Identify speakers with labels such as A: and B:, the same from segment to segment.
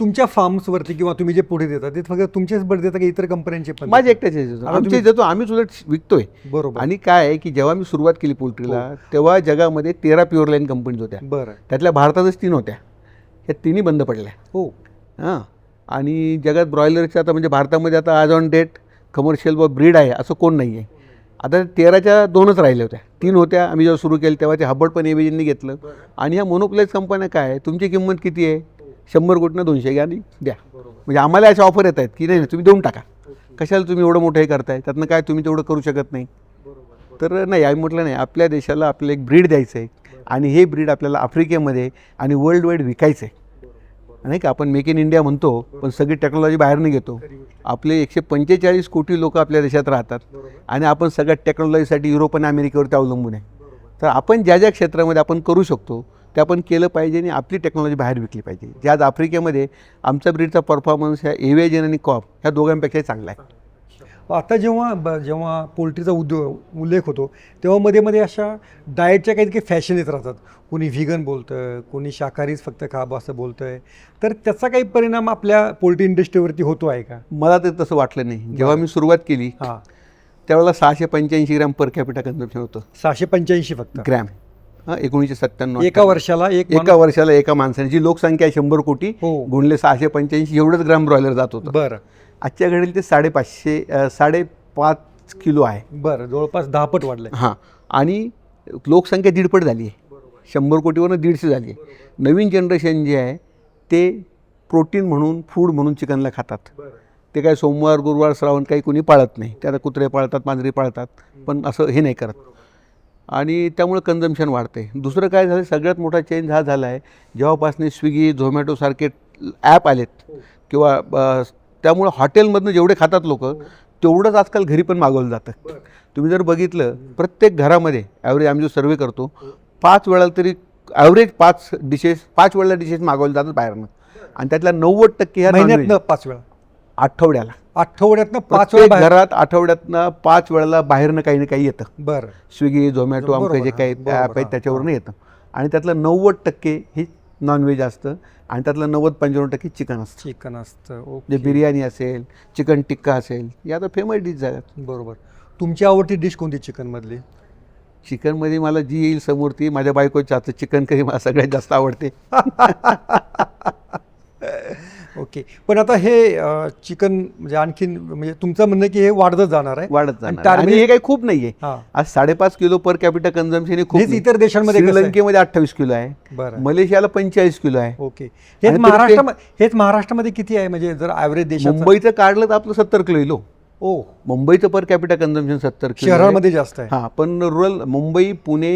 A: तुमच्या फार्म्सवरती किंवा तुम्ही जे पुढे देता ते फक्त तुमचेच बर्ड देता की इतर कंपन्यांचे पण?
B: माझे एकट्याचे देतो, आमचे देतो, आम्हीच उलट विकतोय.
A: बरोबर.
B: आणि काय आहे की जेव्हा मी सुरुवात केली पोल्ट्रीला तेव्हा जगामध्ये 13 प्युअर लाईन कंपनीज होत्या.
A: बरं.
B: त्यातल्या भारतातच 3 होत्या, ह्या 3ही बंद पडल्या.
A: हो.
B: हां. आणि जगात ब्रॉयलरच्या आता म्हणजे भारतामध्ये आता आज ऑन डेट कमर्शियल व ब्रीड आहे असं कोण नाही आहे. आता 13च्या 2च राहिल्या होत्या, 3 होत्या. आम्ही जेव्हा सुरू केलं तेव्हा ते हब्बड पण एबीजींनी घेतलं. आणि ह्या मोनोप्लाइज कंपन्या काय आहे, तुमची किंमत किती आहे, 100 कोटीनं 200 घ्या आणि द्या. म्हणजे आम्हाला अशा ऑफर येत आहेत की नाही तुम्ही देऊन टाका, कशाला तुम्ही एवढं मोठं हे करताय, त्यातनं काय तुम्ही तेवढं करू शकत नाही. तर नाही, आम्ही म्हटलं नाही, आपल्या देशाला आपलं एक ब्रीड द्यायचं आहे आणि हे ब्रीड आपल्याला आफ्रिकेमध्ये आणि वर्ल्ड वाईड विकायचं आहे. नाही का, आपण मेक इन इंडिया म्हणतो पण सगळी टेक्नॉलॉजी बाहेरनं घेतो. आपले 145 कोटी लोक आपल्या देशात राहतात आणि आपण सगळ्या टेक्नॉलॉजीसाठी युरोप आणि अमेरिकेवरती अवलंबून आहे. तर आपण ज्या ज्या क्षेत्रामध्ये आपण करू शकतो ते आपण केलं पाहिजे आणि आपली टेक्नॉलॉजी बाहेर विकली पाहिजे. जे आज आफ्रिकेमध्ये आमचा ब्रीडचा परफॉर्मन्स ह्या एव्हिएजन आणि कॉप ह्या दोघांपेक्षाही चांगला आहे.
A: आता जेव्हा पोल्ट्रीचा उल्लेख होतो तेव्हा मध्ये मध्ये अशा डाएटच्या काही फॅशन येत राहतात. कोणी व्हिगन बोलतं, कोणी शाकाहारीच फक्त खावं असं बोलतं आहे. तर त्याचा काही परिणाम आपल्या पोल्ट्री इंडस्ट्रीवरती होतो आहे का?
B: मला तर तसं वाटलं नाही. जेव्हा मी सुरुवात केली त्यावेळेला 685 ग्रॅम पर कॅपिटा कन्झम्पशन होतं.
A: 685 फक्त
B: ग्रॅम. 1997
A: एका वर्षाला
B: एका माणसाने, जी लोकसंख्या आहे 100 कोटी गुणले 685 एवढंच ग्रॅम ब्रॉयलर जात होतं.
A: बरं.
B: आजच्या घडीला ते 5.5 किलो आहे.
A: बरं, जवळपास 10 पट वाढलं.
B: हां. आणि लोकसंख्या 1.5 पट झाली आहे, 100 कोटीवरून 150 झाली आहे. नवीन जनरेशन जे आहे ते प्रोटीन म्हणून फूड म्हणून चिकनला खातात. ते काय सोमवार गुरुवार श्रावण काही कोणी पाळत नाही. ते आता कुत्रे पाळतात, मांजरी पाळतात, पण असं हे नाही करत. आणि त्यामुळे कन्झम्पशन वाढते. दुसरं काय झालं, सगळ्यात मोठा चेंज हा झाला आहे जेव्हापासून स्विगी झोमॅटोसारखे ॲप आलेत किंवा त्यामुळं हॉटेलमधनं जेवढे खातात लोक तेवढंच आजकाल घरी पण मागवलं जातं. तुम्ही जर बघितलं प्रत्येक घरामध्ये ॲव्हरेज आम्ही जो सर्वे करतो 5 वेळा तरी ॲव्हरेज 5 वेळेला डिशेस मागवले जातात बाहेरनं. आणि त्यातल्या 90% ह्या
A: महिन्यातनं 5 वेळा, आठवड्यातनं 5 वेळा
B: घरात आठवड्यातनं 5 वेळेला बाहेरनं काही ना काही येतं.
A: बरं.
B: स्विगी झोमॅटो आमचं जे काही ॲप आहे त्याच्यावरून येतं. आणि त्यातलं 90% हे नॉनव्हेज असतं आणि त्यातलं 90-95% चिकन असतं. जे बिर्याणी असेल, चिकन टिक्का असेल, या तर फेमस डिश झाल्यात.
A: बरोबर. तुमची आवडती डिश कोणती चिकनमधली?
B: चिकनमध्ये मला जी येईल समोर ती, माझ्या बायकोच्या हातचं चिकन करी मला सगळ्यात जास्त आवडते.
A: ओके. पण आता हे चिकन म्हणजे आणखीन म्हणजे तुमचं म्हणणं की हे वाढतच जाणार आहे.
B: आणि हे काही खूप नाही आहे. आज 5.5 किलो पर कॅपिटा कन्झम्पशन हे खूप.
A: इतर देशांमध्ये
B: श्रीलंकेमध्ये 28 किलो आहे, मलेशियाला 45 किलो आहे.
A: ओके. हेच महाराष्ट्रामध्ये किती आहे म्हणजे जर ॲव्हरेज देश?
B: मुंबईचं काढलं तर आपलं 70 किलो येलो. मुंबईचं पर कॅपिटा कन्झम्पशन 70 किलो.
A: शहरामध्ये जास्त आहे.
B: हां, पण रुरल मुंबई, पुणे,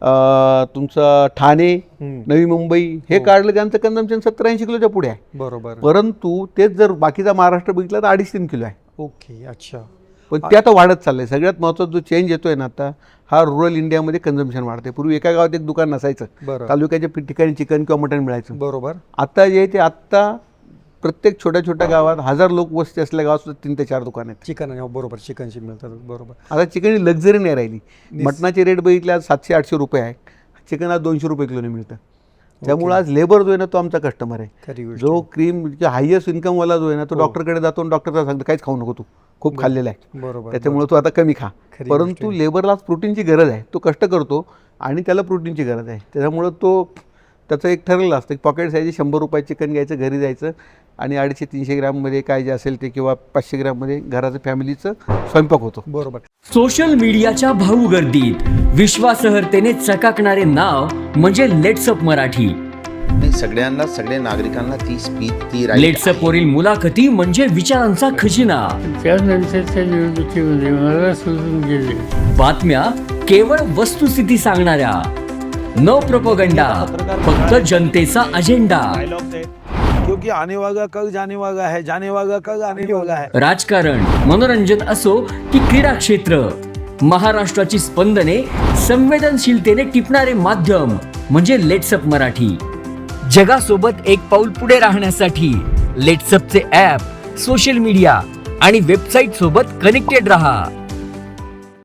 B: तुमचं ठाणे, नवी मुंबई हे काढलं त्यांचं कन्झम्पशन 70-80 किलोच्या पुढे आहे.
A: बरोबर.
B: परंतु तेच जर बाकीचा महाराष्ट्र बघितला तर 2.5-3 किलो आहे.
A: ओके. अच्छा.
B: पण ते आता वाढत चाललंय. सगळ्यात महत्त्वाचा जो चेंज येतोय ना आता, हा रुरल इंडियामध्ये कन्झम्पशन वाढते. पूर्वी एका गावात एक दुकान नसायचं, तालुक्याच्या ठिकाणी चिकन किंवा मटण मिळायचं.
A: बरोबर.
B: आता जे ते आत्ता प्रत्येक छोट्या छोट्या गावात 1000 लोक वस्ती असलेल्या गावात सुद्धा 3 ते 4 दुकान आहेत
A: चिकन. बरोबर, चिकनची मिळतात. बरोबर.
B: आता चिकनची लक्झरी नाही राहिली. मटणाचे रेट बघितले आज 700-800 रुपये आहे, चिकन आज 200 रुपये किलोने मिळतं. त्यामुळे आज लेबर जो आहे ना तो आमचा कस्टमर आहे. जो क्रीम हायएस्ट इन्कमवाला जो आहे ना तो डॉक्टरकडे जातो आणि डॉक्टरचा सांगतो काहीच खाऊ नको, तू खूप खाल्लेला आहे,
A: बरोबर,
B: त्याच्यामुळे तू आता कमी खा. परंतु लेबरला प्रोटीनची गरज आहे, तो कष्ट करतो आणि त्याला प्रोटीनची गरज आहे. त्याच्यामुळं तो त्याचं एक ठरलेलं असतं की पॉकेट साईज 100 रुपये चिकन घ्यायचं, घरी जायचं आणि 250-300 ग्रॅममध्ये काय जे असेल ते किंवा 500 ग्रॅममध्ये घराचं फॅमिलीचं स्वयंपाक होतो.
A: बरोबर.
C: सोशल मीडियाच्या भाऊ गर्दीत विश्वासार्हतेने चकाकणारे नाव म्हणजे लेट्सअप मराठी.
D: सगळ्यांना, सगळ्या नागरिकांना ती स्पीच, ती
C: लेट्सअप वरील मुलाखती म्हणजे विचारांचा खजिना.
E: त्यानंतरच्या निवडणुकीमध्ये मला सोडून गेले.
C: बातम्या केवळ वस्तुस्थिती सांगणाऱ्या, न प्रोपगंडा, फक्त जनतेचा अजेंडा.
F: क्योंकि आने वाला कल जाने वाला है, जाने वाला कल आने वाला है.
C: राजकारण, मनोरंजन असो की क्रीडा क्षेत्र, महाराष्ट्राची स्पंदने संवेदनशीलतेने टिपणारे माध्यम म्हणजे लेट्सअप मराठी. जगासोबत एक पाऊल पुढे राहण्यासाठी लेट्सअपचे ॲप, सोशल मीडिया आणि वेबसाईट सोबत कनेक्टेड रहा.